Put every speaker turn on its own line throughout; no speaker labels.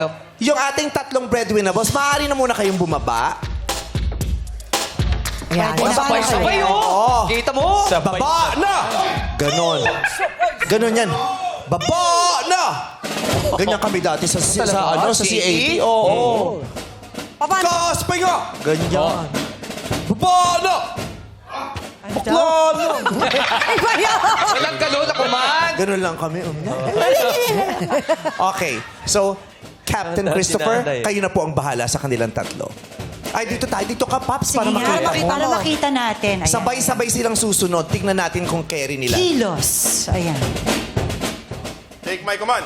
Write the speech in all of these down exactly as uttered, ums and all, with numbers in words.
Yung ating tatlong breadwinner, boss, maaari na muna kayong bumaba.
Ayan.
Oh, sabay-sabay, oh. Kita mo?
Baba na! Ganon. Ganon yan. Baba na! Ganyan kami dati sa, sa, sa, ano, sa C A T. Oo. Oh,
Paano?
Gas, pahinga! Ganyan. Baba na! Bakla na!
Iba yun!
Walang galon na kuman.
Ganon lang kami. um. Okay. So, Captain
Tanda,
Christopher,
tinanday.
kayo na po ang bahala sa kanilang tatlo. Ay, dito tayo. Dito ka, Paps, para
Sige nga,
makita mo.
para makita natin. Ayan.
Sabay-sabay silang susunod. Tignan natin kung carry nila.
Kilos. Ayan.
Take my command.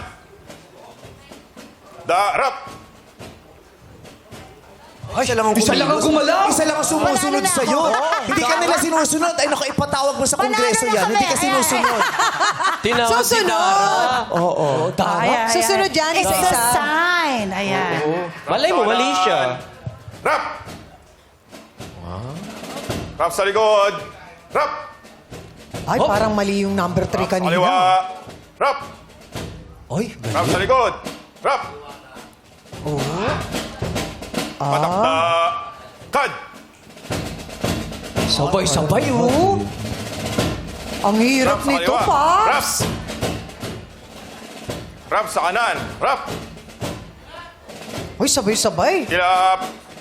Darap.
Isa lang ang
Isa lang ang
kumilos.
gumalaw.
Isa lang ang sumusunod
Panalo na
sa'yo.
ako.
Hindi ka nila sinusunod. Ay, naku, ipatawag mo sa
Panalo
kongreso
na
yan.
kami.
Hindi ka
Ayan.
sinusunod.
Tinawag si
Susunod!
Oo.
Ayan, ayan.
Susunod yan,
It's a
isa-isa.
sign. Ayan.
Malay mo, mali siya.
Rap. Rap sa likod. Rap.
Ay, parang mali yung number three
Sa kaliwa.
kanina.
Rap.
Oy,
Rap sa likod. Rap.
Oh.
Patakda. Kad.
Sabay-sabay, oh.
Ang hirap
Rap sa
nito,
kaliwa.
pa.
Rap. Rap sa kanan. Rap.
Uy, sabay-sabay.
Kilap.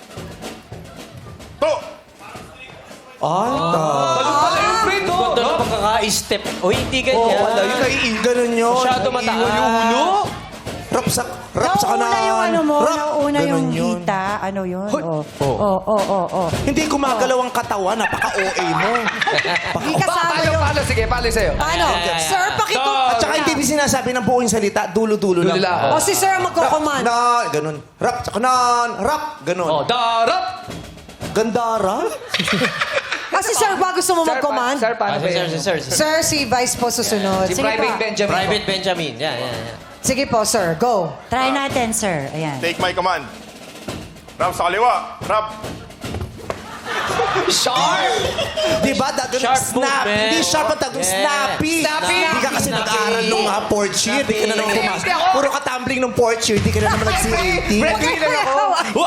To.
Ay, ta.
Balong pala yung friend, oh. Ganda ng pagkaka-step. O, hindi
Oo,
ganyan.
wala. Yung naiiwan. Ganun yun.
Masyado
Naiiwan
mataas.
yung ulo. Rap sa, rap sa kanan.
Nauna yung ano mo,
Rap.
nauna
Ganun
yung
yun.
hita. Ano yun?
Hoy.
Oo, oo, oo, oo, oo.
Hindi gumagalaw ang katawan. Napaka-O A mo.
Hindi
Pa-
kasama
Paano,
yung...
paano? Sige, paano sa'yo?
Paano? Sir, pakipo...
At saka hindi mo sinasabi ng buong salita. Dulo-dulo lang.
Dulo lang.
O si Sir ang magkocommand.
Na, ganun. Rap sa kanan. Rap. Ganun.
Oh, darap!
Gandara.
Ah, si Sir ba gusto mo
Sir,
mag-command?
pa- Sir, paano ba
sir,
yun?
sir, sir, sir.
Sir, si Vice po susunod.
Si
Sige
Private
pa.
Benjamin.
Private Benjamin. Yan, yan, yan.
Sige po, Sir. Go.
Try natin, sir. Ayan.
Take my command. Rap sa kaliwa. Rap.
Sharp!
Di ba? Da, ganun,
Sharp
snap.
movement.
Hindi sharp ang tagong
Yeah.
snappy.
Snappy.
Hindi ka kasi
Snappy.
nag-aaral nung uh, fourth year. Di ka na nang pumas.
Hindi ako.
Puro ka tumbling nung fourth year. Di ka na naman nag-C A T.
Breadwinner ako.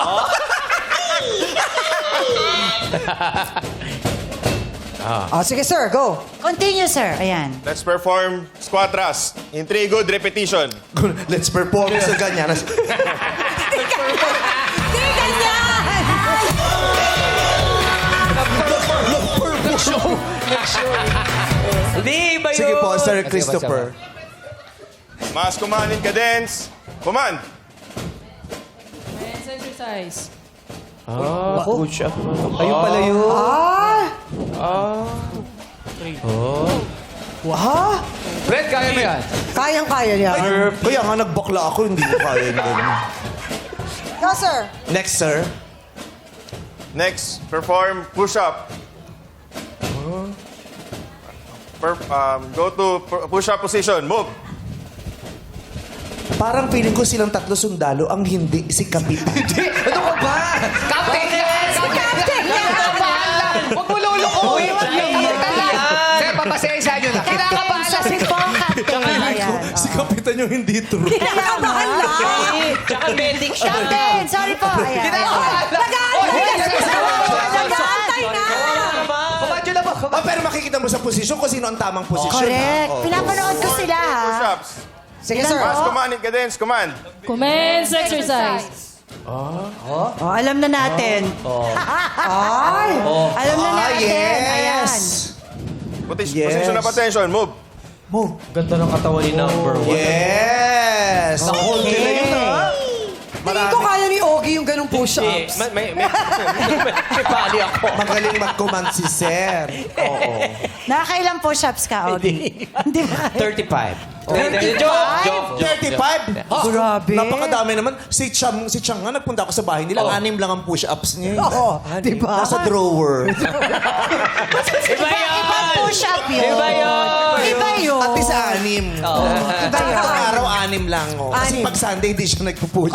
O, sige, Sir. Go.
Continue, sir. Ayan.
Let's perform squat thrust in three good repetition.
Let's perform sa ganyan.
Hindi ganyan!
Hindi, iba yun.
Sige po, Sir
Sige,
Christopher.
Mass command in cadence. Command.
Let's exercise.
Ah, push up. Ayun pala yun.
Ah! Wow!
Fred, kaya mo yan.
Kayang-kaya niya.
Kaya nga nagbakla ako, hindi ko kaya yung ganun.
Go, Sir.
Next, sir.
Next, perform push-up. Per- um, go to pu- push-up position. Move.
Parang feeling ko silang tatlo sundalo, ang hindi si Kapitan.
Ano ka ba? Captain yan! Captain yan! Huwag mo lulukuhin! Sir, papasensya nyo na. Kinakabahan lang.
Si Pong Captain. Ayan.
si Kapitan yung hindi true.
Kinakabahan lang.
Tsaka medic siya.
Captain, sorry po. Ayan.
Kinakabahan lang.
Nag-aantay na.
Nag-aantay
Nag-aantay na.
Kumadyo na ba?
Ah, pero makikita mo sa posisyon kung sino ang tamang posisyon.
Correct.
ha? Oo.
Pinapanood ko sila, ha?
Push-ups.
Sige, Sir.
Mass command in cadence. Command.
Commence exercise.
Oh, alam na natin.
Ay!
Alam na
Ah,
natin. Ayan.
yes.
Posi-
Yes.
Position of attention. Move.
Move.
Ganda ng katawan ni number one.
Yes. Hold ka na yun, ha?
Tingin ko kaya ni Ogie yung ganong push-ups.
May, may, may, may, may pali ako.
Magaling mag-command si Sir. Oo.
Nakakailang push-ups ka, Ogie? Hindi ba?
thirty-five.
thirty-five?
Joke, joke, joke.
thirty-five?
Grabe.
Napakadami naman. Si Chang, si Chang nga, nagpunta ako sa bahay nila.
Oh.
Anim lang ang push-ups niya.
Oo, di ba?
Nasa drawer.
Iba yun!
Ibang push-up yun.
Iba yun!
Iba yun.
At least anim.
Iba yun.
Pag araw, anim lang. Oh. Kasi
Anim.
pag Sunday, hindi siya nagpo-push.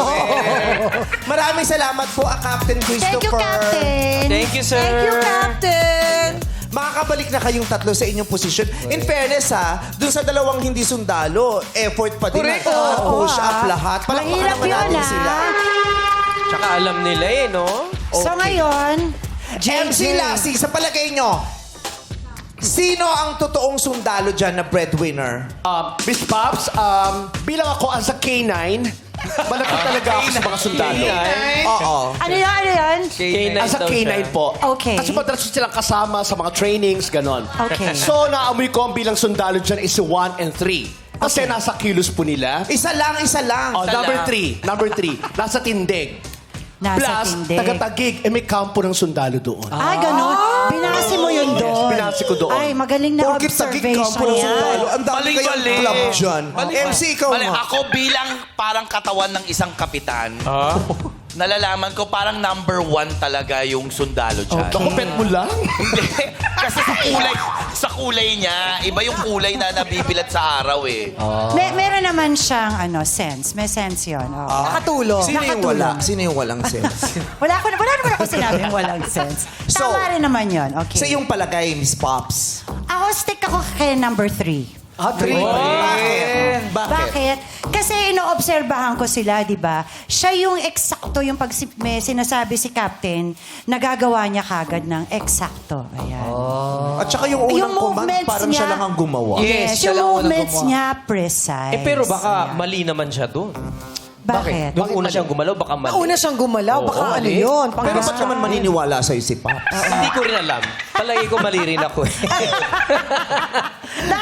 Maraming salamat po, ah, Captain
Thank you,
Christopher.
Captain.
Thank you, sir.
Thank you, Captain.
makakabalik na kayong tatlo sa inyong posisyon. In fairness ha, dun sa dalawang hindi sundalo, effort pa din.
Correct.
na-
Oo,
push up
ah.
lahat. Palakpakan
Mahirap
naman
yun,
natin
ah.
sila.
Tsaka alam nila eh, no?
So ngayon,
M C Lassie, sa palagay nyo, sino ang totoong sundalo dyan na breadwinner?
Um, Miss Pops, um, bilang ako as a K nine, malapit talaga ako sa mga sundalo.
Oo.
ano yun, ano yun?
K nine
As a
daw
K nine
siya.
po.
Okay.
Kasi madalas silang kasama sa mga trainings, ganon.
Okay.
So, naamoy ko ang bilang sundalo dyan is one and three. Kasi nasa kilos po nila.
Isa lang, isa lang.
Oh, number three. Number three. Nasa tindig.
Nasa
Plus,
tindig.
taga-tagig. Eh, may kampo ng sundalo doon.
Ay, ganun. Binasi mo yun doon.
binasi ko doon.
Ay, magaling na
Porkit tagig kampo
observation
ng
yan.
sundalo. Ang dami
Mali,
kayang
mali.
club dyan. M C, ikaw
Mali,
nga.
ako bilang parang katawan ng isang kapitan,
Ah?
nalalaman ko parang number one talaga yung sundalo dyan.
Naku, pet mo lang.
Hindi. Kasi sa kulay, sa kulay niya, iba yung kulay na nabibilat sa araw eh.
May, meron naman siyang ano, sense. May sense yun. oo.
Nakatulong.
Sino yung wala? Sino yung walang sense?
Wala, ko, wala naman ako sinabing walang sense.
So,
Tama rin naman yun. Okay.
Sa iyong palagay, Miss Pops.
Ako, stick ako kay number three.
Ah, three.
Bakit? Bakit?
Bakit? Kasi inoobserbahan ko sila, di ba? Siya yung eksakto, yung pag si- may sinasabi si Captain, nagagawa niya kagad ng eksakto. Ayan.
At saka yung unang
Yung
command,
movements
parang siya
niya-
lang ang gumawa.
Yes, siya
yung
lang unang
movements
gumawa.
niya precise.
Eh, pero baka
Ayan.
mali naman siya doon.
Bakit?
Nung una siyang gumalaw, baka mali.
Nauna siyang gumalaw.
Oo,
Baka ano
mali.
yun?
Pero ba't naman maniniwala sa'yo si Pops?
Hindi ko rin alam. Palagi ko mali rin ako eh.